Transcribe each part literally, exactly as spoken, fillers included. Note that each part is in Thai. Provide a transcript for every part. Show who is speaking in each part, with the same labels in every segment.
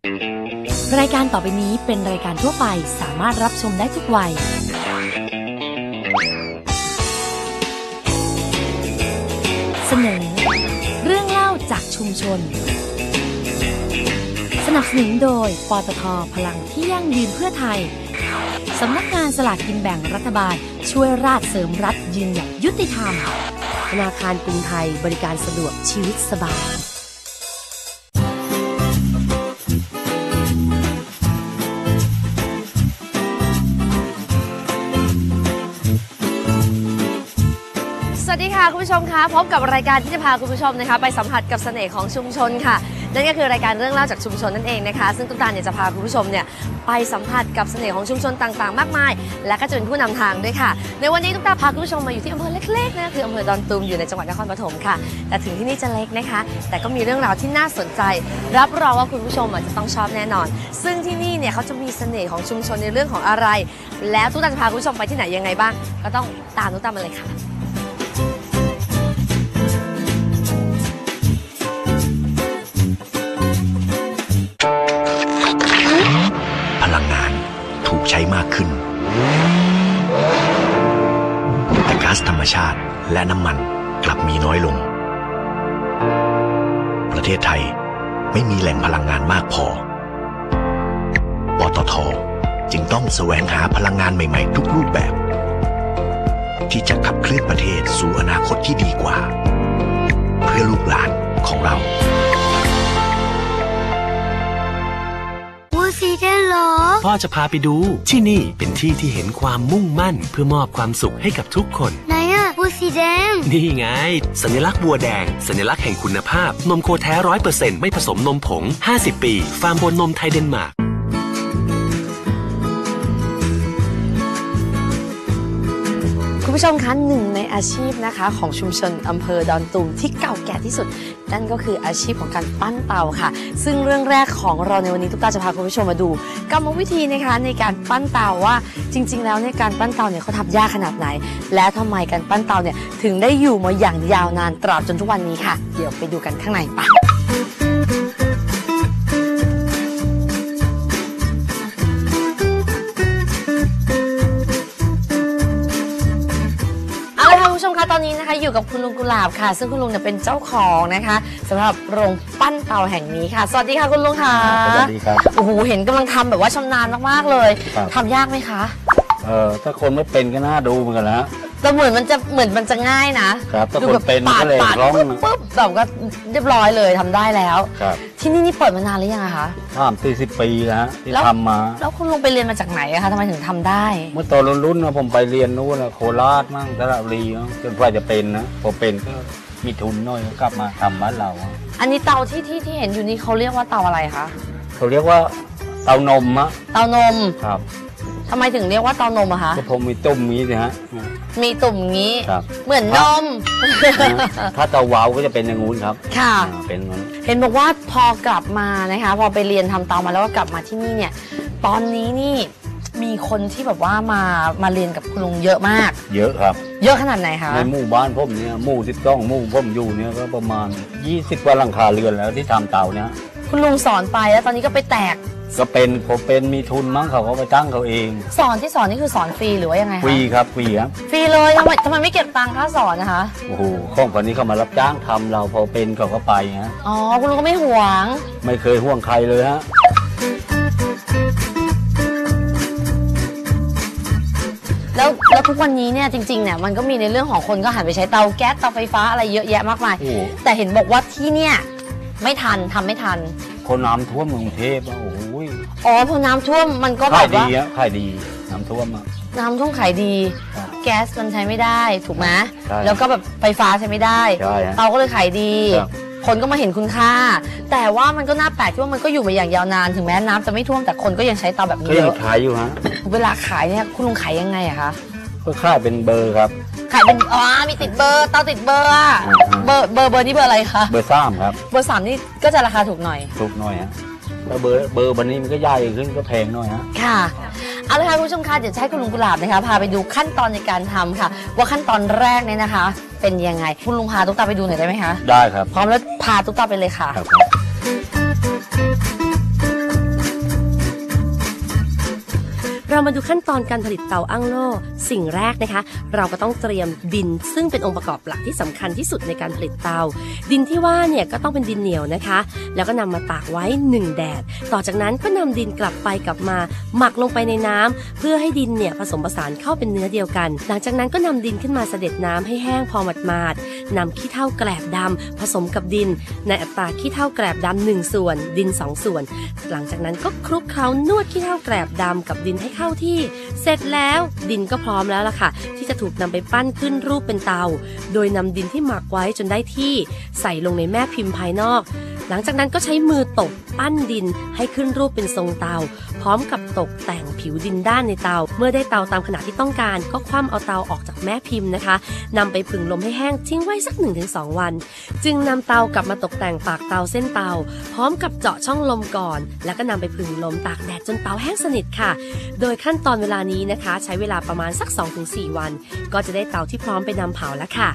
Speaker 1: รายการต่อไปนี้เป็นรายการทั่วไปสามารถรับชมได้ทุกวัยเสนอเรื่องเล่าจากชุมชนสนับสนุนโดยปตท.พลังที่ยั่งยืนเพื่อไทยสำนักงานสลากกินแบ่งรัฐบาลช่วยราชเสริมรัฐยืนหยัดยุติธรรมธนาคารกรุงไทยบริการสะดวกชีวิตสบาย
Speaker 2: สวัสดีค่ะคุณผู้ชมคะพบกับรายการที่จะพาคุณผู้ชมนะคะไปสัมผัสกับเสน่ห์ของชุมชนค่ะนั่นก็คือรายการเรื่องเล่าจากชุมชนนั่นเองนะคะซึ่งตุ๊กตาเนี่ยจะพาคุณผู้ชมเนี่ยไปสัมผัสกับเสน่ห์ของชุมชนต่างๆมากมายและก็จะเป็นผู้นำทางด้วยค่ะในวันนี้ตุ๊กตาพาคุณผู้ชมมาอยู่ที่อำเภอเล็กๆนะคืออำเภอดอนตูมอยู่ในจังหวัดนครปฐมค่ะแต่ถึงที่นี่จะเล็กนะคะแต่ก็มีเรื่องราวที่น่าสนใจรับรองว่าคุณผู้ชมจะต้องชอบแน่นอนซึ่งที่นี่เนี่ยเขาจะมีเสน่ห์ของชุมชนในเรื่องของอะไรแล้วตุ๊กตาจะพาคุณผู้ชมไปที่ไหนยังไงบ้างก็ต้องตามตุ๊กตามาเลยค่ะ
Speaker 3: พลังงานถูกใช้มากขึ้นแต่ก๊าซธรรมชาติและน้ำมันกลับมีน้อยลงประเทศไทยไม่มีแหล่งพลังงานมากพอปตท.จึงต้องแสวงหาพลังงานใหม่ๆทุกรูปแบบที่จะขับเคลื่อนประเทศสู่อนาคตที่ดีกว่าเพื่อลูกหลานของเรา
Speaker 4: สีแดงเหรอ
Speaker 5: พ่อจะพาไปดูที่นี่เป็นที่ที่เห็นความมุ่งมั่นเพื่อมอบความสุขให้กับทุกคน
Speaker 4: ไหนอะบัวสีแดง
Speaker 5: นี่ไงสัญลักษณ์บัวแดงสัญลักษณ์แห่งคุณภาพนมโคแท้ ร้อยเปอร์เซ็นต์ ไม่ผสมนมผงห้าสิบปีฟาร์มโคนมไทยเดนมาร์ก
Speaker 2: คุณผู้ชมคะหนึ่งในอาชีพนะคะของชุมชนอำเภอดอนตูมที่เก่าแก่ที่สุดนั่นก็คืออาชีพของการปั้นเตาค่ะซึ่งเรื่องแรกของเราในวันนี้ตุ๊กตาจะพาคุณผู้ชมมาดูกรรมวิธีนะคะในการปั้นเตาว่าจริงๆแล้วในการปั้นเตาเนี่ยเขาทำยากขนาดไหนและทำไมการปั้นเตาเนี่ยถึงได้อยู่มาอย่างยาวนานตราบจนทุกวันนี้ค่ะเดี๋ยวไปดูกันข้างในไปคุณผู้ชมคะตอนนี้นะคะอยู่กับคุณลุงกุหลาบค่ะซึ่งคุณลุงเนี่ยเป็นเจ้าของนะคะสำหรับโรงปั้นเตาแห่งนี้ค่ะสวัสดีค่ะคุณลุงค่ะ
Speaker 6: สวัสดีครับ
Speaker 2: โอ้โหเห็นกำลังทำแบบว่าชำนาญมากๆเลยทำยากไหมคะ
Speaker 6: เออถ้าคนไม่เป็นก็น่าดูเหมือนกันนะ
Speaker 2: แต่เหมือนมันจะเหมือนมันจะง่ายนะครับ
Speaker 6: ถ้าคนเป็นก็เลยร้อง
Speaker 2: ปุ๊บแบบก็เรียบร้อยเลยทำได้แล้ว
Speaker 6: ครับ
Speaker 2: ที่นี่นี่เปิดมานานหรือยังคะ
Speaker 6: สามสี่สิบปีแล้วที่ทำมา
Speaker 2: แล้วคุณลุงไปเรียนมาจากไหนอะคะทำไมถึงทำได้
Speaker 6: เมื่อตอนรุ่นๆนะผมไปเรียนนู้นนะโคราชมั่งสระบุรีจนกว่าจะเป็นนะพอเป็นก็มีทุนน้อยก็กลับมาทำบ้านเรา
Speaker 2: อันนี้เตาที่ที่ที่เห็นอยู่นี่เขาเรียกว่าเตาอะไรคะ
Speaker 6: เขาเรียกว่าเตานมอะ
Speaker 2: เตานม
Speaker 6: ครับ
Speaker 2: ทำไมถึงเรียกว่าเตานมอะคะ
Speaker 6: ก็ผมมีตุ่มนี้สิฮะ
Speaker 2: มีตุ่มงี้เหมือนนม
Speaker 6: ถ้าเตาวาวก็จะเป็นอย่างงู้นครับ
Speaker 2: ค่ะ
Speaker 6: เป็นงั้น
Speaker 2: เห็นบอกว่าพอกลับมานะคะพอไปเรียนทำเตามาแล้วก็กลับมาที่นี่เนี่ยตอนนี้นี่มีคนที่แบบว่ามามาเรียนกับคุณลุงเยอะมาก
Speaker 6: เยอะครับ
Speaker 2: เยอะขนาดไหนคะ
Speaker 6: ในหมู่บ้านผมเนี่ยหมู่สิบสองหมู่ผมอยู่เนี่ยก็ประมาณยี่สิบกว่าหลังคาเรือนแล้วที่ทำเตาเนี่ย
Speaker 2: คุณลุงสอนไปแล้วตอนนี้ก็ไปแตก
Speaker 6: ก็เป็นผมเป็นมีทุนมั้งเขาก็ไปตั้งเขาเอง
Speaker 2: สอนที่สอนนี่คือสอนฟรีหรือว่ายังไงคะ
Speaker 6: ฟรีครับฟรีครับ
Speaker 2: ฟรีเลยทำไมทำไมไม่เก็บตังค่าสอนนะคะ
Speaker 6: โอ้โหข้องคนนี้เขามารับจ้างทำเราพอเป็นเขาก็ไปฮะ
Speaker 2: อ๋อคุณลุงก็ไม่ห่วง
Speaker 6: ไม่เคยห่วงใครเลยฮะ
Speaker 2: แล้วแล้วทุกวันนี้เนี่ยจริงๆเนี่ยมันก็มีในเรื่องของคนก็หันไปใช้เตาแก๊สเตาไฟฟ้าอะไรเยอะแยะมากมายแต่เห็นบอกว่าที่เนี่ยไม่ทันทำไม่ทัน
Speaker 6: คนน้ำท่วมกรุงเทพอ่ะโอ้ย
Speaker 2: อ๋อพอน้ำท่วมมันก็แบบว่า
Speaker 6: ขายดีอ่ะขายดีน้ำท่วมอ่ะ
Speaker 2: น้ำท่วมขายดีแก๊สมันใช้ไม่ได้ถูกไหมแล้วก็แบบไฟฟ้าใช้ไม่ได้เตาก็เลยขายดีคนก็มาเห็นคุณค่าแต่ว่ามันก็น่าแปลกที่ว่ามันก็อยู่มาอย่างยาวนานถึงแม้น้ำจะไม่ท่วมแต่คนก็ยังใช้เตาแบบนี้เยอะ
Speaker 6: ก็ยังขายอยู่ฮะ
Speaker 2: เวลาขายเนี่ยคุณลุงขายยังไงอะคะ
Speaker 6: ก็ขายเป็นเบอร์ครับ
Speaker 2: ขายเป็นอ๋อมีติดเบอร์เตาติดเบอร์อะเบอร์เบอร์เบอร์นี่เบอร์อะไรคะ
Speaker 6: เบอร์สามครับ
Speaker 2: เบอร์สามนี่ก็จะราคาถูกหน่อย
Speaker 6: ถูกหน่อยฮะแล้วเบอร์เบอร์วันนี้มันก็ใหญ่ขึ้นก็แพงหน่อยฮะ
Speaker 2: ค่ะเอาละค่ะคุณผู้ชมคะเดี๋ยวให้คุณลุงกุหลาบนะคะพาไปดูขั้นตอนในการทำค่ะว่าขั้นตอนแรกเนี่ยนะคะเป็นยังไงคุณลุงพาตุ๊กตาไปดูหน่อยได้ไหมคะ
Speaker 6: ได้ครับ
Speaker 2: พร้อมแล้วพาตุ๊กตาไปเลยค่ะ
Speaker 1: เรามาดูขั้นตอนการผลิตเตาอั้งโล่สิ่งแรกนะคะเราก็ต้องเตรียมดินซึ่งเป็นองค์ประกอบหลักที่สำคัญที่สุดในการผลิตเตาดินที่ว่าเนี่ยก็ต้องเป็นดินเหนียวนะคะแล้วก็นำมาตากไว้หนึ่งแดดต่อจากนั้นก็นำดินกลับไปกลับมาหมักลงไปในน้ำเพื่อให้ดินเนี่ยผสมผสานเข้าเป็นเนื้อเดียวกันหลังจากนั้นก็นำดินขึ้นมาเสด็จน้ำให้แห้งพอหมาดๆนำขี้เถ้าแกลบดำผสมกับดินในอัตราขี้เถ้าแกลบดำหนึ่งส่วนดินสองส่วนหลังจากนั้นก็คลุกเคล้านวดขี้เถ้าแกลบดำกับดินให้เข้าที่เสร็จแล้วดินก็พร้อมแล้วล่ะค่ะที่จะถูกนำไปปั้นขึ้นรูปเป็นเตาโดยนำดินที่หมักไว้จนได้ที่ใส่ลงในแม่พิมพ์ภายนอกหลังจากนั้นก็ใช้มือตบปั้นดินให้ขึ้นรูปเป็นทรงเตาพร้อมกับตกแต่งผิวดินด้านในเตาเมื่อได้เตาตามขนาดที่ต้องการก็คว่ำเอาเตาออกจากแม่พิมพ์นะคะนำไปผึ่งลมให้แห้งทิ้งไว้สัก หนึ่งถึงสอง วันจึงนำเตากลับมาตกแต่งปากเตาเส้นเตาพร้อมกับเจาะช่องลมก่อนแล้วก็นำไปผึ่งลมตากแดดจนเตาแห้งสนิทค่ะโดยขั้นตอนเวลานี้นะคะใช้เวลาประมาณสัก สองถึงสี่ วันก็จะได้เตาที่พร้อมไปนำเผาแล้วค่ะ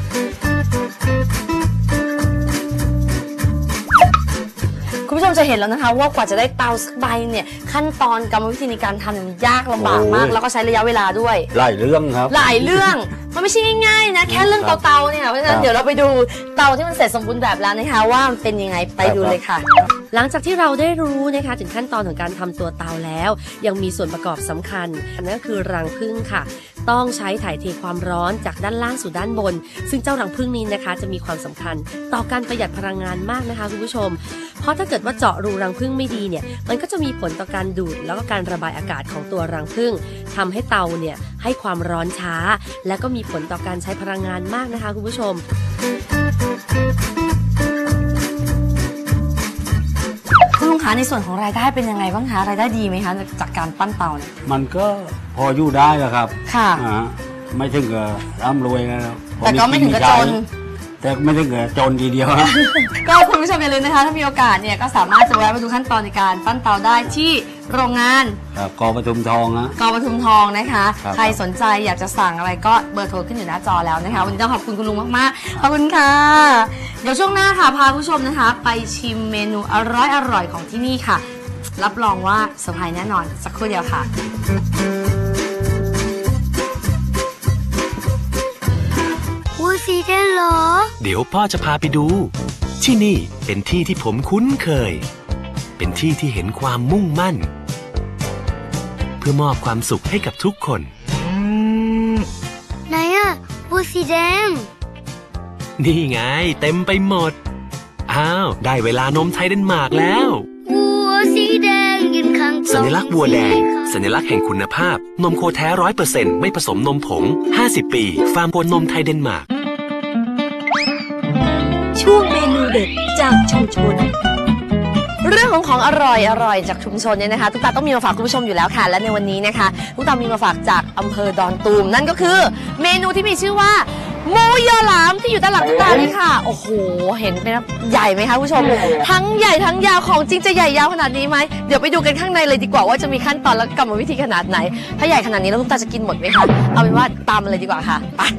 Speaker 1: คุณผู้ชมจะเห็นแล้วนะคะว่ากว่าจะได้เตาสักใบเนี่ยขั้นตอนกรรมวิธีในการทำยากลำบากมากแล้วก็ใช้ระยะเวลาด้วย
Speaker 6: หลายเรื่องครับ
Speaker 2: หลายเรื่องมันไม่ใช่ง่ายๆนะแค่เรื่องเตาๆเนี่ยเพราะฉะนั้นเดี๋ยวเราไปดูเตาที่มันเสร็จสมบูรณ์แบบแล้วนะคะว่ามันเป็นยังไงไปดูเลยค่ะหลังจากที่เราได้รู้นะคะถึงขั้นตอนของการทำตัวเตาแล้วยังมีส่วนประกอบสำคัญนั่นก็คือรังผึ้งค่ะต้องใช้ถ่ายเทความร้อนจากด้านล่างสู่ด้านบนซึ่งเจ้ารังผึ้งนี้นะคะจะมีความสำคัญต่อการประหยัดพลังงานมากนะคะคุณผู้ชมเพราะถ้าเกิดว่าเจาะรูรังผึ้งไม่ดีเนี่ยมันก็จะมีผลต่อการดูดแล้วก็การระบายอากาศของตัวรังผึ้งทำให้เตาเนี่ยให้ความร้อนช้าและก็มีผลต่อการใช้พลังงานมากนะคะคุณผู้ชมคุณลุงคะในส่วนของรายได้เป็นยังไงบ้างคะรายได้ดีไหมคะจากการปั้นเตาเนี่ย
Speaker 6: มันก็พออยู่ได้แหละครับ
Speaker 2: ค่ะ
Speaker 6: ไม่ถึงกับร่ำรวยนะ
Speaker 2: แต่ก็ไม่ถึงกับจน
Speaker 6: แต่ไม่ถึงกับจนทีเดียว
Speaker 2: ก็คุณผู้ชมอย่าลืมนะคะถ้ามีโอกาสเนี่ยก็สามารถจะแวะมาดูขั้นตอนในการปั้นเตาได้ที่โรงงาน
Speaker 6: กอปทุมทองนะ
Speaker 2: กอปทุมทองนะคะใครสนใจอยากจะสั่งอะไรก็เบอร์โทรขึ้นอยู่หน้าจอแล้วนะคะวันนี้ต้องขอบคุณคุณลุงมากๆขอบคุณค่ะเดี๋ยวช่วงหน้าค่ะพาผู้ชมนะคะไปชิมเมนูอร่อยอร่อยของที่นี่ค่ะรับรองว่าเซอร์ไพรส์แน่นอนสักครู่เดียวค่ะ
Speaker 4: วูซีเดนเหรอ
Speaker 5: เดี๋ยวพ่อจะพาไปดูที่นี่เป็นที่ที่ผมคุ้นเคยเป็นที่ที่เห็นความมุ่งมั่นเพื่อมอบความสุขให้กับทุกคน
Speaker 4: ไหนอะวูซีแดง
Speaker 5: นี่ไงเต็มไปหมดอ้าวได้เวลานมไทยเดนมาร์กแล้ว
Speaker 4: วัวสีแดงยืนข้าง
Speaker 5: สัญลักษณ์วัวแดงสัญลักษณ์แห่งคุณภาพนมโคแท้ ร้อยเปอร์เซ็นต์ ไม่ผสมนมผงห้าสิบปีฟาร์มโคนมไทยเดนมาร์ก
Speaker 1: ช่วงเมนูเด็ดจากชุมชน
Speaker 2: เรื่องของของอร่อยอร่อยจากชุมชนเนี่ยนะคะตุ๊กตาต้องมีมาฝากคุณผู้ชมอยู่แล้วค่ะและในวันนี้นะคะตุ๊กตามีมาฝากจากอำเภอดอนตูมนั่นก็คือเมนูที่มีชื่อว่าหมูยอหลามที่อยู่ด้านหลังตุ๊กตานี่ค่ะโอ้โหเห็นเป็นใหญ่ไหมคะคุณผู้ชมทั้งใหญ่ทั้งยาวของจริงจะใหญ่ยาวขนาดนี้ไหมเดี๋ยวไปดูกันข้างในเลยดีกว่าว่าจะมีขั้นตอนและกรรมวิธีขนาดไหนถ้าใหญ่ขนาดนี้แล้วตุ๊กตาจะกินหมดไหมคะเอาเป็นว่าตามมาเลยดีกว่าค่ะไป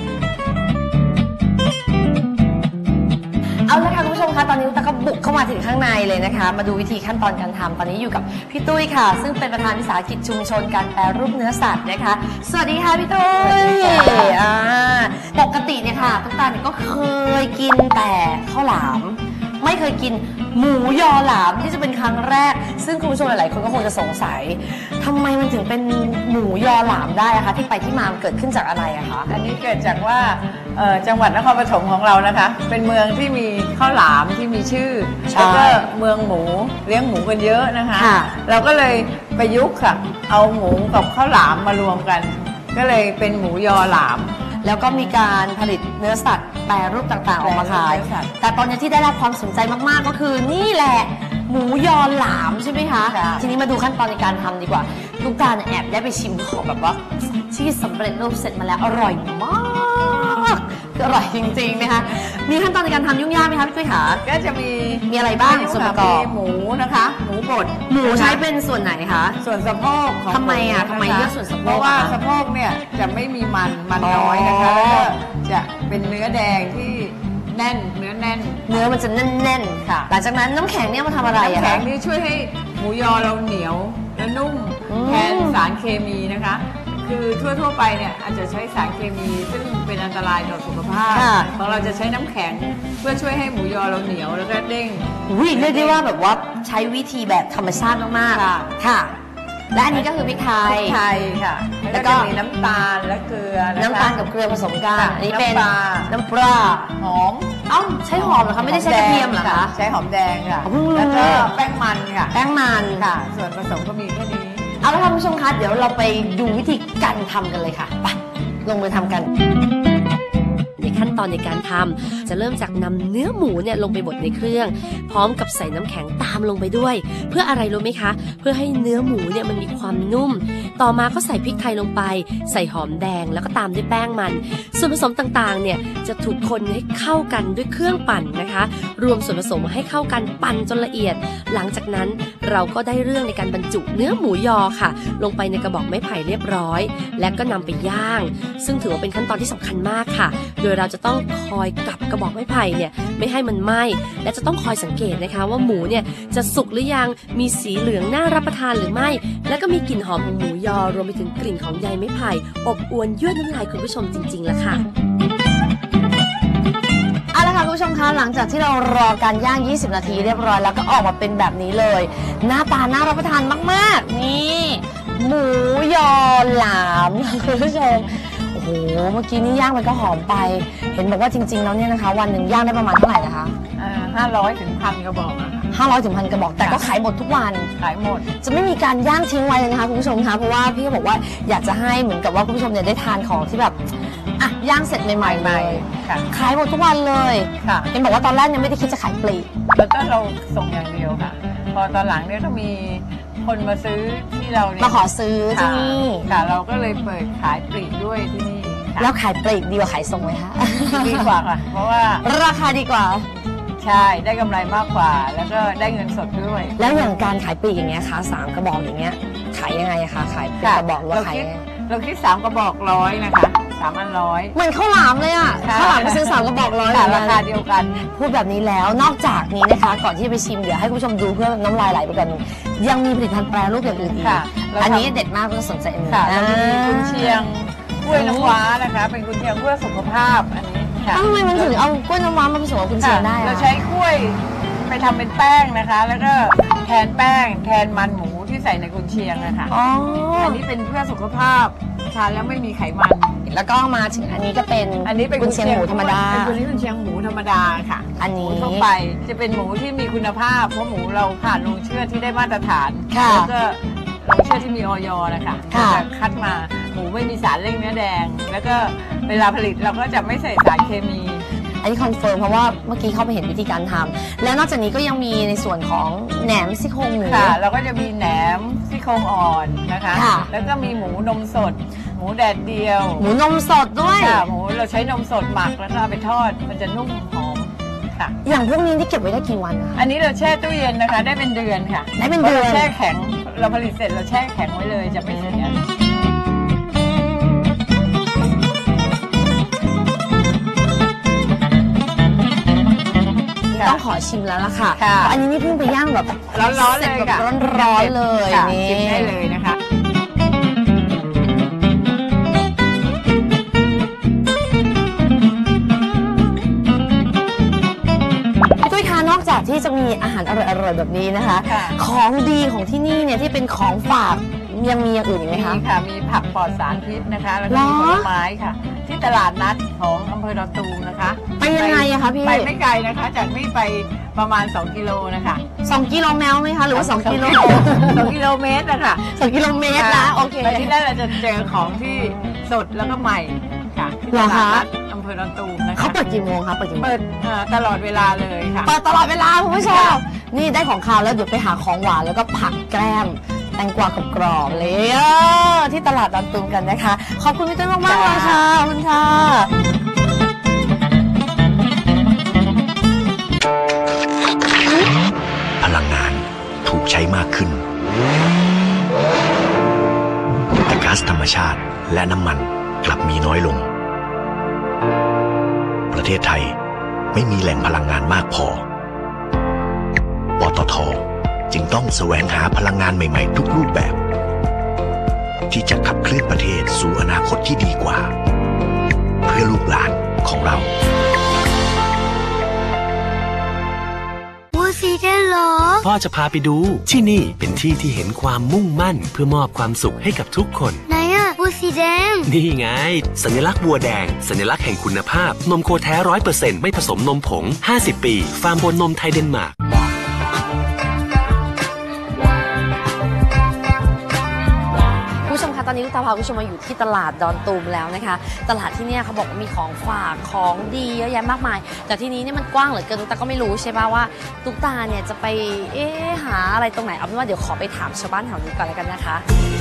Speaker 2: เอาละค่ะคุณผู้ชมคะตอนนี้ตุ๊กตาก็บุกเข้ามาถึงข้างในเลยนะคะมาดูวิธีขั้นตอนการทำตอนนี้อยู่กับพี่ตุ้ยค่ะซึ่งเป็นประธานวิสาหกิจชุมชนการแปรรูปเนื้อสัตว์นะคะสวัสดีค่ะพี่ตุ้ยอ่าปกติเนี่ยค่ะตุ๊กตาเนี่ยก็เคยกินแต่ข้าวหลามไม่เคยกินหมูยอหลามที่จะเป็นครั้งแรกซึ่งคุณผู้ชมหลายๆคนก็คงจะสงสัยทำไมมันถึงเป็นหมูยอหลามได้อะคะที่ไปที่มาเกิดขึ้นจากอะไรอะคะ
Speaker 7: อันนี้เกิดจากว่าจังหวัดนครปฐมของเรานะคะเป็นเมืองที่มีข้าวหลามที่มีชื่อแล้วก็เมืองหมูเลี้ยงหมูกันเยอะนะคะเราก็เลยประยุกต์ค่ะเอาหมูกับข้าวหลามมารวมกันก็เลยเป็นหมูยอหลาม
Speaker 2: แล้วก็มีการผลิตเนื้อสัตว์แปรรูปต่างๆออกมาขายแต่ตอนนี้ที่ได้รับความสนใจมากๆก็คือนี่แหละหมูยอหลามใช่ไหมคะทีนี้มาดูขั้นตอนในการทำดีกว่าลูกตาลแอบได้ไปชิมของแบบว่าที่สำเร็จรูปเสร็จมาแล้วอร่อยมากคืออร่อยจริงๆนะคะมีขั้นตอนในการทำยุ่งยากไหมคะพี่ตุ้ยขา
Speaker 7: ก็จะมี
Speaker 2: มีอะไรบ้างส่วนประกอบ
Speaker 7: หมูนะคะหมูบด
Speaker 2: หมูใช้เป็นส่วนไหนคะ
Speaker 7: ส่วนสะโพก
Speaker 2: ทำไมอ่ะทำไมเลือกส่วนสะโพก
Speaker 7: เพราะว่าสะโพกเนี่ยจะไม่มีมันมันน้อยนะคะแล้วก็จะเป็นเนื้อแดงที่แน่นเนื้อแน่น
Speaker 2: เนื้อมันจะแน่นๆค่ะหลังจากนั้นน้ำแข็งเนี่ยมาทำอะไรอะ
Speaker 7: น้ำแข็งนี่ช่วยให้หมูยอเราเหนียวแล้วนุ่ม
Speaker 2: อืม
Speaker 7: แทนสารเคมีนะคะ คือทั่วๆไปเนี่ยอาจจะใช้สารเคมีซึ่งเป็นอันตรายต่อสุขภาพ
Speaker 2: ค่ะ
Speaker 7: ของเราจะใช้น้ำแข็งเพื่อช่วยให้หมูยอเราเหนียวแล้วก็เด้ง
Speaker 2: อุ้ยเรียกได้ว่าแบบว่าใช้วิธีแบบธรรมชาติมาก
Speaker 7: ค่ะ
Speaker 2: ๆค่ะ และอันนี้ก็คือพริกไท
Speaker 7: พ
Speaker 2: ย
Speaker 7: ริกไทยค่ะ
Speaker 2: แล้
Speaker 7: แล้ว ว
Speaker 2: ก็
Speaker 7: ก็จะมีน้ำตาลและเกลือนะคะ
Speaker 2: น้ำตาลกับเกลือผสมกัน
Speaker 7: ค่ะ
Speaker 2: อันนี้เป็น
Speaker 7: น้ำปลา
Speaker 2: น้ำปลา
Speaker 7: หอม
Speaker 2: เอ้าใช้หอมเหรอคะไม่ได้ใช้กระเทียมเหรอคะ
Speaker 7: ใช้หอมแดงค่ะ
Speaker 2: อ๋อเพิ่งรู้
Speaker 7: แล้วก็แป้งมันค่ะ
Speaker 2: แป้งมัน
Speaker 7: ค่ะ ส่วนผสมก็มีแค่นี้
Speaker 2: เอาละค่ะคุณผู้ชมคะเดี๋ยวเราไปดูวิธีการทำกันเลยค่ะไปลงมือทำกัน ในขั้นตอนในการทำจะเริ่มจากนำเนื้อหมูเนี่ยลงไปบดในเครื่อง พร้อมกับใส่น้ำแข็งตามลงไปด้วย เพื่ออะไรรู้ไหมคะ เพื่อให้เนื้อหมูเนี่ยมันมีความนุ่ม ต่อมาก็ใส่พริกไทยลงไป ใส่หอมแดงแล้วก็ตามด้วยแป้งมัน ส่วนผสมต่างๆเนี่ยจะถูกคนให้เข้ากันด้วยเครื่องปั่นนะคะ รวมส่วนผสมให้เข้ากันปั่นจนละเอียด หลังจากนั้นเราก็ได้เรื่องในการบรรจุเนื้อหมูยอค่ะ ลงไปในกระบอกไม้ไผ่เรียบร้อย และก็นำไปย่าง ซึ่งถือว่าเป็นขั้นตอนที่สำคัญมากค่ะ โดยเราจะต้องคอยกลับกระบอกไม้ไผ่เนี่ยไม่ให้มันไหม้และจะต้องคอยสังเกตนะคะว่าหมูเนี่ยจะสุกหรือยังมีสีเหลืองน่ารับประทานหรือไม่ และก็มีกลิ่นหอมของหมูยอรวมไปถึงกลิ่นของใยไม้ไผ่อบอวนยั่วน้ำลายคุณผู้ชมจริงๆแล้วค่ะ เอาละค่ะคุณผู้ชมคะหลังจากที่เรารอการย่างยี่สิบนาทีเรียบร้อยแล้วก็ออกมาเป็นแบบนี้เลย หน้าตาน่ารับประทานมากๆนี่หมูยอหลามคุณผู้ชมโอ้โหเมื่อกี้นี่ย่างไปก็หอมไป เห็นบอกว่าจริงๆแล้วเนี่ยนะคะ วันหนึ่งย่างได้ประมาณเท่าไหร่นะคะ
Speaker 7: ห้าร้อยถึงพันกระบอกอะค่ะ
Speaker 2: ห้าร้อยถึงพันกระบอกแต่ก็ขายหมดทุกวัน
Speaker 7: ขายหมด
Speaker 2: จะไม่มีการย่างทิ้งไว้เลยนะคะคุณผู้ชมคะเพราะว่าพี่ก็บอกว่าอยากจะให้เหมือนกับว่าคุณผู้ชมเนี่ยได้ทานของที่แบบอ่ะย่างเสร็จใหม่ๆเลย
Speaker 7: ค่ะ
Speaker 2: ขายหมดทุกวันเลย
Speaker 7: ค่ะ
Speaker 2: เห็นบอกว่าตอนแรกยังไม่ได้คิดจะขายปลีก
Speaker 7: แล้วก็เราส่งอย่างเดียวค่ะ พอตอนหลังเนี่ยก็มีคนมาซื้อที่เราเนี่ย
Speaker 2: มาขอซื้อที่
Speaker 7: ค่ะ
Speaker 2: นี่
Speaker 7: ค่ะ เราก็เลยเปิดขายปลีกด้วยที่นี่ค่ะ
Speaker 2: แล้วขายปลีกดีกว่าขายส่งไหมคะ
Speaker 7: ดีกว่าค่ะ เพราะว่า
Speaker 2: ราคาดีกว่า
Speaker 7: ใช่ได้กำไรมากกว่า แล้วก็ได้เงินสดด้วย
Speaker 2: แล้วอย่างการขายปลีกอย่างเงี้ยคะสามกระบอกอย่างเงี้ยขายยังไงอะคะขายเป็น
Speaker 7: ค่ะ
Speaker 2: กระบอกหรือ
Speaker 7: เรา
Speaker 2: ว่าขาย
Speaker 7: คิด
Speaker 2: ยังไง
Speaker 7: เราคิดสามกระบอกร้อยนะคะสามอันร้อย
Speaker 2: เหมือนข้าวหลามเลยอะ
Speaker 7: ค่ะ
Speaker 2: ข้าวหลามไปซื้อสามกระบอกร้อย
Speaker 7: ค่ะ
Speaker 2: เหมื
Speaker 7: รา
Speaker 2: อน
Speaker 7: คา
Speaker 2: กัน
Speaker 7: เดียวกัน
Speaker 2: พูดแบบนี้แล้วนอกจากนี้นะคะ ก่อนที่จะไปชิมเดี๋ยวให้คุณผู้ชมดูเพื่อน้ำลายไหลไปก่อนยังมีผลิตภัณฑ์แปรรูปอย่างอื่นอีก
Speaker 7: ค่ะเราทำ
Speaker 2: อันนี้เด็ดมากก็สนใจอันนี้
Speaker 7: ค่ะเรามี
Speaker 2: อ่า
Speaker 7: กุนเชียงกล้วยน้ำว้านะคะ เป็นกุนเชียงเพื่อสุขภาพอันนี้ค่ะ
Speaker 2: ทำไมมันถึงเอากล้วยน้ำว้ามาผสมกับกุนเชียงได้อะ
Speaker 7: เราใช้กล้วยไปทำเป็นแป้งนะคะ แล้วก็แทนแป้ง แทนมันหมูที่ใส่ในกุนเชียงนะคะ
Speaker 2: อ๋อ
Speaker 7: อันนี้เป็นเพื่อสุขภาพทานแล้วไม่มีไขมัน
Speaker 2: แล้วก็มาถึงอันนี้ก็เป็น
Speaker 7: อันนี้เป็น
Speaker 2: กุนเชียงหมูธรรมดา
Speaker 7: เป็นกุนเชียงหมูธรรมดาค่ะ
Speaker 2: อันนี้
Speaker 7: หมูทั่วไปจะเป็นหมูที่มีคุณภาพ เพราะหมูเราผ่านโรงเชือดที่ได้มาตรฐาน
Speaker 2: ค่ะ
Speaker 7: แล้วก็โรงเชือดที่มีออยนะคะ
Speaker 2: ค่ะ
Speaker 7: จะคัดมาหมูไม่มีสารเร่งเนื้อแดง แล้วก็เวลาผลิตเราก็จะไม่ใส่สารเคมี
Speaker 2: อันนี้คอนเฟิร์มเพราะว่าเมื่อกี้เข้าไปเห็นวิธีการทำแล้วนอกจากนี้ก็ยังมีในส่วนของแหนมซี่โครงหมู
Speaker 7: ค่ะเราก็จะมีแหนมซี่โครงอ่อนนะคะ
Speaker 2: ค่ะ
Speaker 7: แล้วก็มีหมูนมสด หมูแดดเดียว
Speaker 2: หมูนมสดด้วย
Speaker 7: ค่ะหมูเราใช้นมสดหมักแล้วก็เอาไปทอด มันจะนุ่มหอมค่ะ
Speaker 2: อย่างพวกนี้ที่เก็บไว้ได้กี่วันนะคะ
Speaker 7: อันนี้เราแช่ตู้เย็นนะคะ ได้เป็นเดือนค่ะ
Speaker 2: ได้เป็นเดือน
Speaker 7: พราะราแช่แข็งเราผลิตเสร็จเราแช่แข็งไว้เลยจะไม่เสีย
Speaker 2: ต้องขอชิมแล้วล่ะค่ะ
Speaker 7: ค่ะ
Speaker 2: เพราะอันนี้นี่เพิ่งไปย่างแบบ
Speaker 7: ร้อนๆเลย
Speaker 2: สจ
Speaker 7: ค่ะ
Speaker 2: แบบร้อนๆเลย
Speaker 7: ค่ะ
Speaker 2: นี่
Speaker 7: ชิมได้เลยนะคะ
Speaker 2: พี่ตุ้ยคะนอกจากที่จะมีอาหารอร่อยๆแบบนี้นะคะ
Speaker 7: ค่ะ
Speaker 2: ของดีของที่นี่เนี่ยที่เป็นของฝากยังมีอย่างอื่นอีกไหม
Speaker 7: มี
Speaker 2: คะ
Speaker 7: ค่ะมีผักปลอดสารพิษนะคะ แล้วก็มี
Speaker 2: เหรอ
Speaker 7: ผลไม้ค่ะ ที่ตลาดนัดของอำเภอดอนตูมนะคะ
Speaker 2: ไปยังไงอะคะพี่
Speaker 7: ไปไม่ไกลนะคะ จากนี่ไปประมาณสองกิโลนะคะ
Speaker 2: สองกิโลแมวไหมคะหรือว่าสองกิโล
Speaker 7: สองกิโลเมตรนะคะ
Speaker 2: สองกิโลเมตรนะโอเค
Speaker 7: ไปที่นั่นเราจะเจอของที่สดแล้วก็ใหม่ค่ะที่
Speaker 2: เห
Speaker 7: ต
Speaker 2: รอ
Speaker 7: ลา
Speaker 2: คะ
Speaker 7: ดนัดอำเภอดอนตูมนะคะ
Speaker 2: เขาเปิดกี่โมงคะเปิดกี่โมง
Speaker 7: เปิดเอ่อตลอดเวลาเลยค่ะ
Speaker 2: เปิดตลอดเวลาคุณผู้ชมนี่ได้ของคาวแล้วเดี๋ยวไปหาของหวานแล้วก็ผักแกล้มแตงกวากรอบๆเลยเออที่ตลาดดอนตูมกันนะคะ ขอบคุณพี่ตุ้ยมากๆเลยค่ะขอบคุณค่ะ
Speaker 3: พลังงานถูกใช้มากขึ้น แต่ก๊าซธรรมชาติและน้ำมันกลับมีน้อยลง ประเทศไทยไม่มีแหล่งพลังงานมากพอ ปตท. จึงต้องแสวงหาพลังงานใหม่ๆทุกรูปแบบ ที่จะขับเคลื่อนประเทศสู่อนาคตที่ดีกว่า เพื่อลูกหลานของเรา
Speaker 4: วัวสีแดงเหรอ
Speaker 5: พ่อจะพาไปดูที่นี่เป็นที่ที่เห็นความมุ่งมั่นเพื่อมอบความสุขให้กับทุกคน
Speaker 4: ไหนอะวัวสีแดง
Speaker 5: นี่ไงสัญลักษณ์วัวแดงสัญลักษณ์แห่งคุณภาพนมโคแท้ ร้อยเปอร์เซ็นต์ ไม่ผสมนมผงห้าสิบปีฟาร์มบนนมไทยเดนมาร์ก
Speaker 2: ตอนนี้ลูกตาพาคุณผู้ชมมาอยู่ที่ตลาดดอนตูมแล้วนะคะตลาดที่เนี่ยเขาบอกว่ามีของฝากของดีเยอะแยะมากมายแต่ที่นี้เนี่ยมันกว้างเหลือเกินตุ๊กตาก็ไม่รู้ใช่ป่ะว่าตุ๊กตาเนี่ยจะไปเอ๊ะหาอะไรตรงไหนเอาเป็นว่าเดี๋ยวขอไปถามชาวบ้านแถวนี้ก่อนแล้วกันนะคะ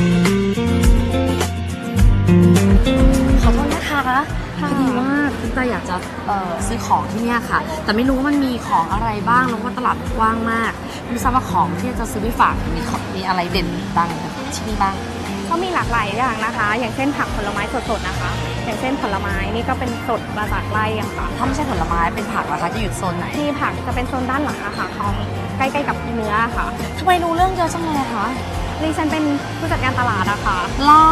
Speaker 2: ขอโทษนะคะพอดีว่าตุ๊กตาอยากจะซื้อของที่เนี่ยค่ะแต่ไม่รู้ว่ามันมีของอะไรบ้างแล้วก็ตลาดกว้างมากไม่ทราบว่าของที่จะซื้อไปฝากมีมีอะไรเด่นดังที่นี่บ้าง
Speaker 8: ก็มีหลากหลายอย่างนะคะอย่างเช่นผักผลไม้สดๆนะคะอย่างเช่นผลไม้นี่ก็เป็นสดมาจากไร่อะค่ะ
Speaker 2: ถ้าไม่ใช่ผลไม้เป็นผักนะคะจะอยู่โซนไหน
Speaker 8: ที่ผักจะเป็นโซนด้านหลังอะค่ะของใกล้ๆกับเนื้อค่ะ
Speaker 2: ทำไมรู้เรื่องเยอะจังเลยคะ
Speaker 8: ดิฉันเป็นผู้จัดการตลาดอะค่ะ
Speaker 2: หรอ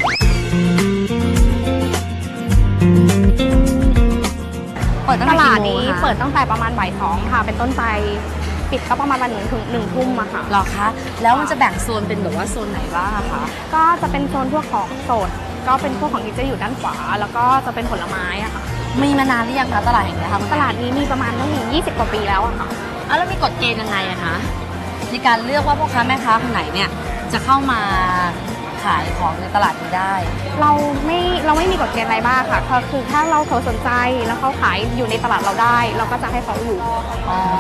Speaker 2: เปิด
Speaker 8: ตลาดนี้เปิดตั้งแต่ประมาณบ่ายสองค่ะเป็นต้นไปปิดก็ประมาณวันหนึ่งถึงหนึ่งทุ่มอะค่ะ
Speaker 2: หรอคะแล้วมันจะแบ่งโซนเป็นแบบว่าโซนไหนบ้างคะ
Speaker 8: ก็จะเป็นโซนพวกของสดก็เป็นพวกของที่จะอยู่ด้านขวาแล้วก็จะเป็นผลไม้อะค่ะ
Speaker 2: มีมานานหรือยังคะตลาดแห่งนี้คะ
Speaker 8: ตลาดนี้มีประมาณตั้งยี่สิบกว่าปีแล้วอะค่ะ
Speaker 2: อ่ะแล้วมีกฎเกณฑ์ยังไงอะคะในการเลือกว่าพ่อค้าแม่ค้าคนไหนเนี่ยจะเข้ามาขายของในตลาดนี้ได้
Speaker 8: เราไม่เราไม่มีกฎเกณฑ์อะไรบ้างค่ะคือถ้าเราเขาสนใจแล้วเขาขายอยู่ในตลาดเราได้เราก็จะให้เขาอยู่
Speaker 2: อ๋อ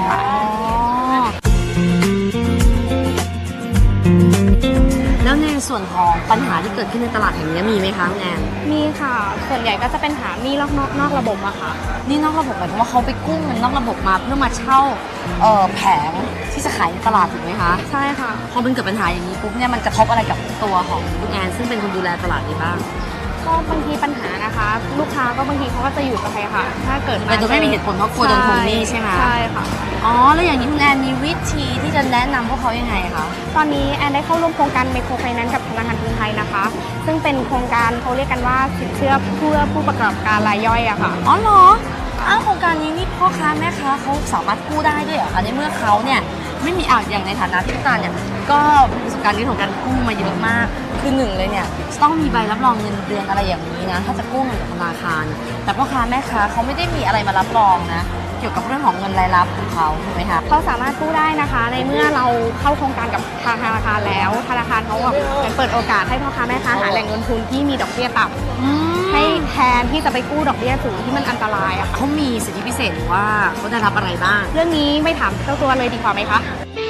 Speaker 2: แล้วในส่วนของปัญหาที่เกิดขึ้นในตลาดแห่งนี้มีไหมคะแอน
Speaker 8: มีค่ะส่วนใหญ่ก็จะเป็นหานี่นอกนอกนอกระบบอะค่ะ
Speaker 2: นี่นอกระบบหมายถึงว่าเขาไปกู้เงินนอกระบบมาเพื่อมาเช่าเอ่อแผงที่จะขายในตลาดถูกไหมคะ
Speaker 8: ใช่ค่ะ
Speaker 2: พอมันเกิดปัญหาอย่างนี้ปุ๊บเนี่ยมันกระทบอะไรกับตัวของคุณแอนซึ่งเป็นคนดูแลตลาดนี้บ้าง
Speaker 8: ก็บางทีปัญหานะคะลูกค้าก็บางทีเขาก็จะอยู่กับใครค่ะถ้าเกิด
Speaker 2: แต่โดยไม่มีเหตุผลเพราะกลัวโดนทวงหนี้ใช่ไหม
Speaker 8: ใช่ค่ะ
Speaker 2: อ๋อแล้วอย่างนี้คุณแอนมีวิธีที่จะแนะนำพวกเขายังไงคะ
Speaker 8: ตอนนี้แอนได้เข้าร่วมโครงการไมโครไฟแนนซ์กับธนาคารกรุงไทยนะคะซึ่งเป็นโครงการเขาเรียกกันว่าสินเชื่อเพื่อผู้ประกอบการรายย่อยอะค่ะ
Speaker 2: อ๋อเหรออ้าวโครงการนี้นี่พ่อค้าแม่ค้าเขาสามารถกู้ได้ด้วยเหรอคะในเมื่อเขาเนี่ยไม่มีอ่างอย่างในฐานะที่ตุ๊กตาเนี่ยก็ประสบการณ์ที่ของการกู้มาเยอะมากคือหนึ่งเลยเนี่ยต้องมีใบรับรองเงินเดือนอะไรอย่างนี้นะถ้าจะกู้เงินจากธนาคารแต่พ่อค้าแม่ค้าเขาไม่ได้มีอะไรมารับรองนะเกี่ยวกับเรื่องของเงินรายรับของเขาถูกไหมคะ
Speaker 8: เขาสามารถกู้ได้นะคะในเมื่อเราเข้าโครงการกับทางธนาคารแล้วธนาคารเขาแบบเปิดโอกาสให้พ่อค้าแม่ค้าหาแหล่งเงินทุนที่มีดอกเบี้ยต่ำให้แทนที่จะไปกู้ดอกเบี้ยสูงที่มันอันตรายอะค่ะ
Speaker 2: เขามีสิทธิพิเศษหรือว่าเขาได้รับอะไรบ้าง
Speaker 8: เรื่องนี้ไม่ถามเจ้าตัวเลยดีกว่าไหมคะ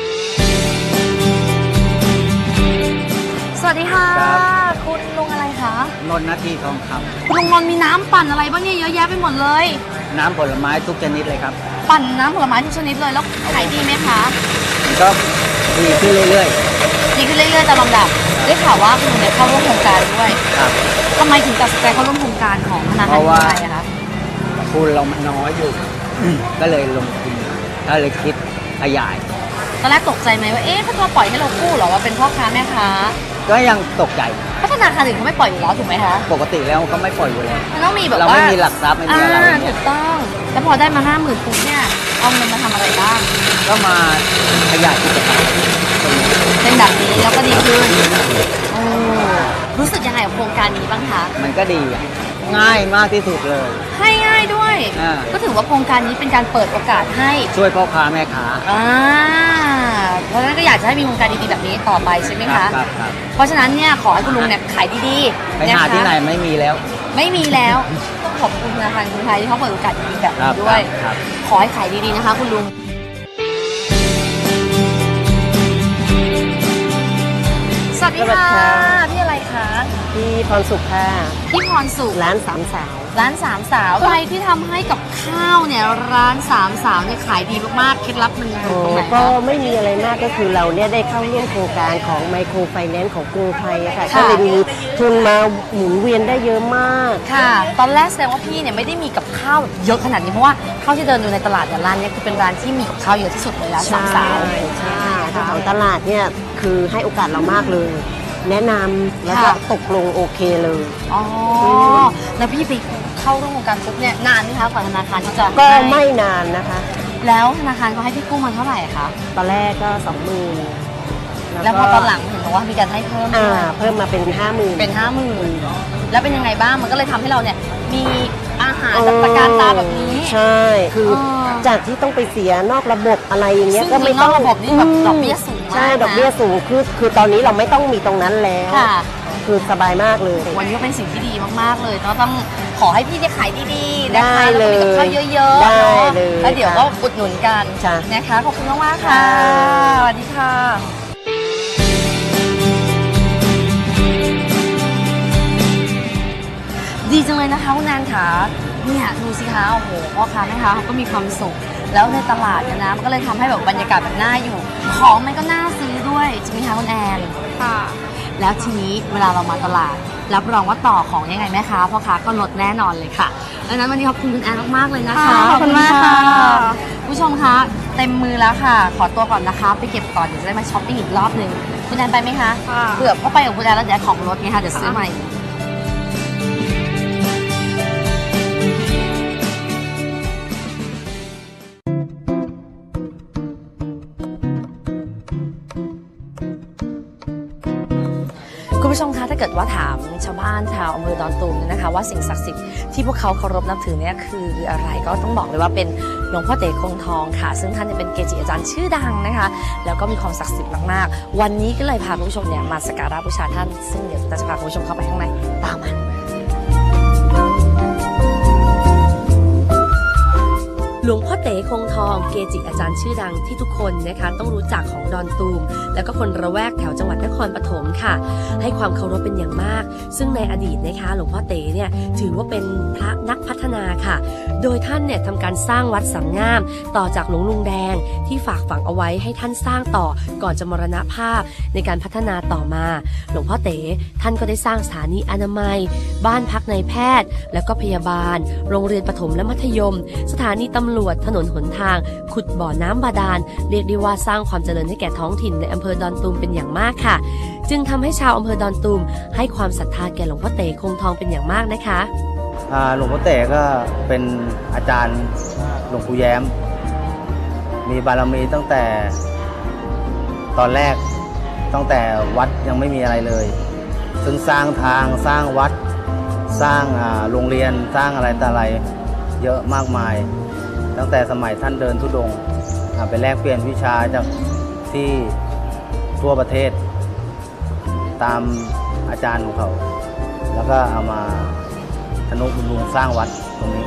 Speaker 2: สวัสดีค่ะคุณลุงอะไรคะ
Speaker 9: นนท์นาทีทองค
Speaker 2: ำคุณลุงนนท์มีน้ำปั่นอะไรบ้างเนี่ยเยอะแยะไปหมดเลย
Speaker 9: น้ำผลไม้ทุกชนิดเลยครับ
Speaker 2: ปั่นน้ำผลไม้ทุกชนิดเลยแล้วขายดีไหมคะ
Speaker 9: ก็ดีขึ้นเรื่อย
Speaker 2: ๆดีขึ้นเรื่อยๆตามลำดับได้ข่าวว่าคุณเนี่ยเข้าร่วมโครงการด้วย
Speaker 9: ครับ
Speaker 2: ทำไมถึงตัดสินใจเข้าร่วมโครงการของธนาคารกรุงไทยอะคะ
Speaker 9: ทุนเรามันน้อยอยู่ก็เลยลงทุนก็เลยคิดขยาย
Speaker 2: ตอนแรกตกใจไหมว่าเอ๊ะถ้าเขาปล่อยให้เรากู้เหรอว่าเป็นพ่อค้าแม่ค้า
Speaker 9: ก็ยังตกใจ
Speaker 2: เพราะธนาคารอื่นเขาไม่ปล่อยอยู่แล้วถูกไหมคะ
Speaker 9: ปกติแล้วเขาไม่ปล่อยอยู่แล้ว
Speaker 2: มันต้องมีแบบว่า
Speaker 9: เราไม่มีหลักทรัพย์ไม่มีอะไร
Speaker 2: ถูกต้องแล้วพอได้มาห้าหมื่นปุ๊บเนี่ยเอาเงินมาทำอะไรบ้าง
Speaker 9: ก็มาขยายกิจการ
Speaker 2: เป็นแบบนี้แล้วก็ดีขึ้นโอ้รู้สึกยังไงกับโครงการนี้บ้างคะ
Speaker 9: มันก็ดีง่ายมากที่สุดเลย
Speaker 2: ให้ง่ายด้วยก็ถือว่าโครงการนี้เป็นการเปิดโอกาสให้
Speaker 9: ช่วยพ่อค้าแม่ค้า
Speaker 2: อ่าเพราะฉะนั้นก็อยากจะให้มีโครงการดีๆแบบนี้ต่อไปใช่ไหมคะ
Speaker 9: ครับครับ
Speaker 2: เพราะฉะนั้นเนี่ยขอให้คุณลุงเนี่ยขายดี
Speaker 9: ๆไปหาที่ไหนไม่มีแล้ว
Speaker 2: ไม่มีแล้วต้องขอบคุณธนาคารกรุงไทยที่เขาเปิดโอกาสดีๆแบบนี้ด้วยขอให้ขายดีๆนะคะคุณลุงสวัสดีค่ะพี่อะไรคะ
Speaker 10: พี่พรสุขค่ะ
Speaker 2: พี่พรสุข
Speaker 10: ร้านสามสาว
Speaker 2: ร้านสามสาวอะไรที่ทำให้กับข้าวเนี่ยร้านสามสาวเนี่ยขายดีมากๆเคล็ดลับมันอยู่ตรงไหน
Speaker 10: ก็ไม่มีอะไรมากก็คือเราเนี่ยได้เข้าร่วมโครงการของไมโครไฟแนนซ์ของกรุงไทยค่ะก็เลยมีทุนมาหมุนเวียนได้เยอะมาก
Speaker 2: ค่ะตอนแรกแสดงว่าพี่เนี่ยไม่ได้มีกับข้าวเยอะขนาดนี้เพราะว่าข้าวที่เดินอยู่ในตลาดเนี่ยร้านนี้คือเป็นร้านที่มีกับข้าวเยอะที่สุดเลยร้านสามสาว
Speaker 10: ใช่เจ้าของตลาดเนี่ยคือให้โอกาสเรามากเลย แนะนำแล้วก็ตกลงโอเคเลย
Speaker 2: อ๋อแล้วพี่ไปเข้าร่วมโครงการปุ๊บเนี่ยนานไหมคะกว่าธนาคารที่จะ
Speaker 10: ก็ไม่นานนะคะ
Speaker 2: แล้วธนาคารเขาให้พี่กู้มาเท่าไหร่คะ
Speaker 10: ตอนแรกก็สองหมื่น
Speaker 2: แล้วพอตอนหลังเห็นบอกว่ามีการให้เพิ่ม
Speaker 10: อ่าเพิ่มมาเป็นห้าหมื่น
Speaker 2: เป็นห้าหมื่นแล้วเป็นยังไงบ้างมันก็เลยทำให้เราเนี่ยมีอาหารจัดการตาแบบนี้
Speaker 10: ใช่คือจากที่ต้องไปเสียนอกระบบอะไรอย่างเงี้ยก็ไม่ต้อง
Speaker 2: ระบบนี่แบบดอกเบี้ยสูง
Speaker 10: ใช่ดอกเบี้ยสูงคือคือตอนนี้เราไม่ต้องมีตรงนั้นแล้วคือสบายมากเลย
Speaker 2: วันนี้ก็เป็นสิ่งที่ดีมากๆเลยก็ต้องขอให้พี่ได้ขายดีๆนะคะแล้วก็มีกับข้าวเยอะๆ
Speaker 10: ได้เลย
Speaker 2: แล้วเดี๋ยวก็อุดหนุนกันนะคะขอบคุณมากๆค่ะสวัสดีค่ะดีจังเลยนะคะคุณแนนค่ะเนี่ยดูสิคะโอ้โหพ่อค้าแม่ค้าเขาก็มีความสุขแล้วในตลาดเนี่ยนะมันก็เลยทำให้แบบบรรยากาศแบบน่าอยู่ของมันก็น่าซื้อด้วยจริงไหมคะคุณแอนค่ะแล้วทีนี้เวลาเรามาตลาดรับรองว่าต่อของยังไงแม่ค้าพ่อค้าก็ลดแน่นอนเลยค่ะดังนั้นวันนี้ขอบคุณคุณแอนมากๆเลยนะคะ
Speaker 8: ขอบคุณมากค่ะ
Speaker 2: ผู้ชมคะเต็มมือแล้วค่ะขอตัวก่อนนะคะไปเก็บก่อนเดี๋ยวจะได้มาช้อปปิ้งอีกรอบนึงคุณแอนไปไหมคะเผื่อพ่อไปกับคุณแอนแล้วเดี๋ยวของลดไงคะเดี๋ยวซื้อใหม่คุณผู้ชมคะถ้าเกิดว่าถามชาวบ้านชาวอำเภอดอนตูมนะคะว่าสิ่งศักดิ์สิทธิ์ที่พวกเขาเคารพนับถือเนี่ยคืออะไรก็ต้องบอกเลยว่าเป็นหลวงพ่อเต๋คงทองค่ะซึ่งท่านเป็นเกจิอาจารย์ชื่อดังนะคะแล้วก็มีความศักดิ์สิทธิ์มากๆวันนี้ก็เลยพาคุณผู้ชมเนี่ยมาสักการะบูชาท่านซึ่งเดี๋ยวจะพาคุณผู้ชมเข้าไปข้างในตามมาหลวงพ่อเต๋คงทองเกจิอาจารย์ชื่อดังที่ทุกคนนะคะต้องรู้จักของดอนตูมแล้วก็คนระแวกแถวจังหวัดนครปฐมค่ะให้ความเคารพเป็นอย่างมากซึ่งในอดีตนะคะหลวงพ่อเต๋เนี่ยถือว่าเป็นพระนักพัฒนาค่ะโดยท่านเนี่ยทำการสร้างวัดสามงามต่อจากหลวงลุงแดงที่ฝากฝังเอาไว้ให้ท่านสร้างต่อก่อนจะมรณภาพในการพัฒนาต่อมาหลวงพ่อเต๋ท่านก็ได้สร้างสถานีอนามัยบ้านพักนายแพทย์แล้วก็พยาบาลโรงเรียนประถมและมัธยมสถานีตำรวจถนนหนทางขุดบ่อน้ำบาดาลเรียกได้ว่าสร้างความเจริญให้แก่ท้องถิ่นในอำเภอดอนตูมเป็นอย่างมากค่ะจึงทำให้ชาวอำเภอดอนตูมให้ความศรัทธาแก่หลวงพ่อเต๋คงทองเป็นอย่างมากนะคะ
Speaker 9: หลวงพ่อเต๋ก็เป็นอาจารย์หลวงปู่แย้มมีบารมีตั้งแต่ตอนแรกตั้งแต่วัดยังไม่มีอะไรเลยซึ่งสร้างทางสร้างวัดสร้างโรงเรียนสร้างอะไรต่ออะไรเยอะมากมายตั้งแต่สมัยท่านเดินธุดงค์ไปแลกเปลี่ยนวิชาจากที่ทั่วประเทศตามอาจารย์ของเขาแล้วก็เอามาทนุบำรุงสร้างวัดตรงนี้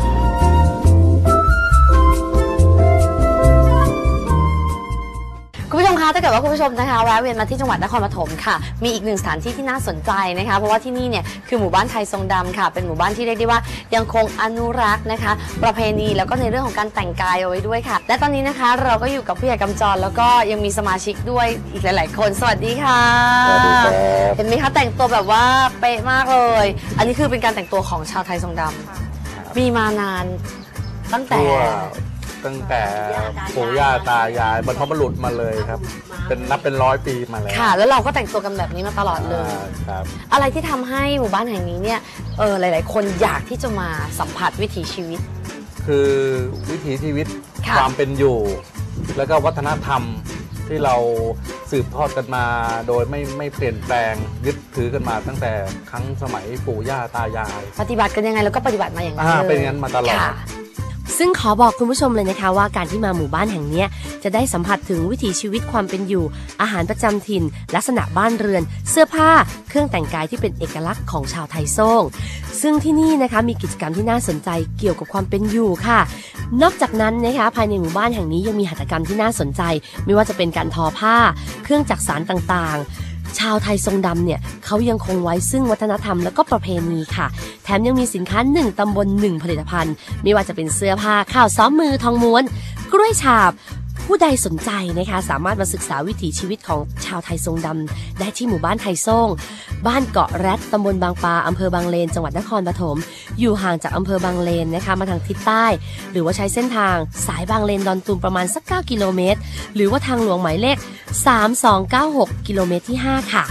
Speaker 2: คุณผู้ชมคะถ้าเกิดว่าคุณผู้ชมนะคะแวะเวียนมาที่จังหวัดนครปฐมค่ะมีอีกหนึ่งสถานที่ที่น่าสนใจนะคะเพราะว่าที่นี่เนี่ยคือหมู่บ้านไทยทรงดำค่ะเป็นหมู่บ้านที่เรียกได้ว่ายังคงอนุรักษ์นะคะประเพณีแล้วก็ในเรื่องของการแต่งกายเอาไว้ด้วยค่ะและตอนนี้นะคะเราก็อยู่กับผู้ใหญ่กำจรแล้วก็ยังมีสมาชิกด้วยอีกหลายๆคนสวัสดีค่ะสวัสดีครับเห็นไหมคะแต่งตัวแบบว่าเป๊ะมากเลยอันนี้คือเป็นการแต่งตัวของชาวไทยทรงดำมีมานานตั้งแต่
Speaker 11: ตั้งแต่ปู่ย่าตายายบรรพบุรุษมาเลยครับเป็นนับเป็นร้อยปีมาแล้ว
Speaker 2: ค่ะแล้วเราก็แต่งตัวกันแบบนี้มาตลอดเลย
Speaker 11: ครับ
Speaker 2: อะไรที่ทำให้หมู่บ้านแห่งนี้เนี่ยเออหลายๆคนอยากที่จะมาสัมผัสวิถีชีวิต
Speaker 11: คือวิถีชีวิตความเป็นอยู่แล้วก็วัฒนธรรมที่เราสืบทอดกันมาโดยไม่ไม่เปลี่ยนแปลงยึดถือกันมาตั้งแต่ครั้งสมัยปู่ย่าตายาย
Speaker 2: ปฏิบัติกันยังไงแล้วก็ปฏิบัติมาอย่างนั้นเลย
Speaker 11: เป็นอย่างนั้นมาตลอด
Speaker 1: ซึ่งขอบอกคุณผู้ชมเลยนะคะว่าการที่มาหมู่บ้านแห่งนี้จะได้สัมผัสถึงวิถีชีวิตความเป็นอยู่อาหารประจำถิ่นลักษณะบ้านเรือนเสื้อผ้าเครื่องแต่งกายที่เป็นเอกลักษณ์ของชาวไทยโซ่งซึ่งที่นี่นะคะมีกิจกรรมที่น่าสนใจเกี่ยวกับความเป็นอยู่ค่ะนอกจากนั้นนะคะภายในหมู่บ้านแห่งนี้ยังมีหัตถกรรมที่น่าสนใจไม่ว่าจะเป็นการทอผ้าเครื่องจักสานต่างๆชาวไทยทรงดำเนี่ยเขายังคงไว้ซึ่งวัฒนธรรมและก็ประเพณีค่ะแถมยังมีสินค้าหนึ่งตำบลหนึ่งผลิตภัณฑ์ไม่ว่าจะเป็นเสื้อผ้าข้าวซ้อมมือทองม้วนกล้วยฉาบผู้ใดสนใจนะคะสามารถมาศึกษาวิถีชีวิตของชาวไทยทรงดำได้ที่หมู่บ้านไทยซ่งบ้านเกาะแรดตำบลบางปลาอำเภอบางเลนจังหวัดนครปฐมอยู่ห่างจากอำเภอบางเลนนะคะมาทางทิศใต้หรือว่าใช้เส้นทางสายบางเลนดอนตูมประมาณสักเก้ากิโลเมตรหรือว่าทางหลวงหมายเลขสามสองเก้าหกกิโลเมตรที่ห้าค่ะ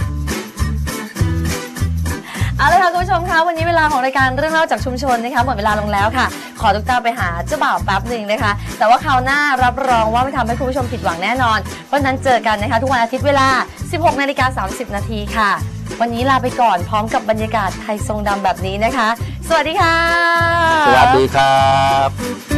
Speaker 2: เอาเลยค่ะคุณผู้ชมคะวันนี้เวลาของรายการเรื่องเล่าจากชุมชนนะคะหมดเวลาลงแล้วค่ะขอทุกท่านไปหาเจ้าบ่าวแป๊บหนึ่งนะคะแต่ว่าคราวหน้ารับรองว่าไม่ทำให้คุณผู้ชมผิดหวังแน่นอนเพราะฉะนั้นเจอกันนะคะทุกวันอาทิตย์เวลา สิบหกนาฬิกาสามสิบนาทีค่ะวันนี้ลาไปก่อนพร้อมกับบรรยากาศไทยทรงดำแบบนี้นะคะสวัสดีค่ะ
Speaker 11: สวัสดีครับ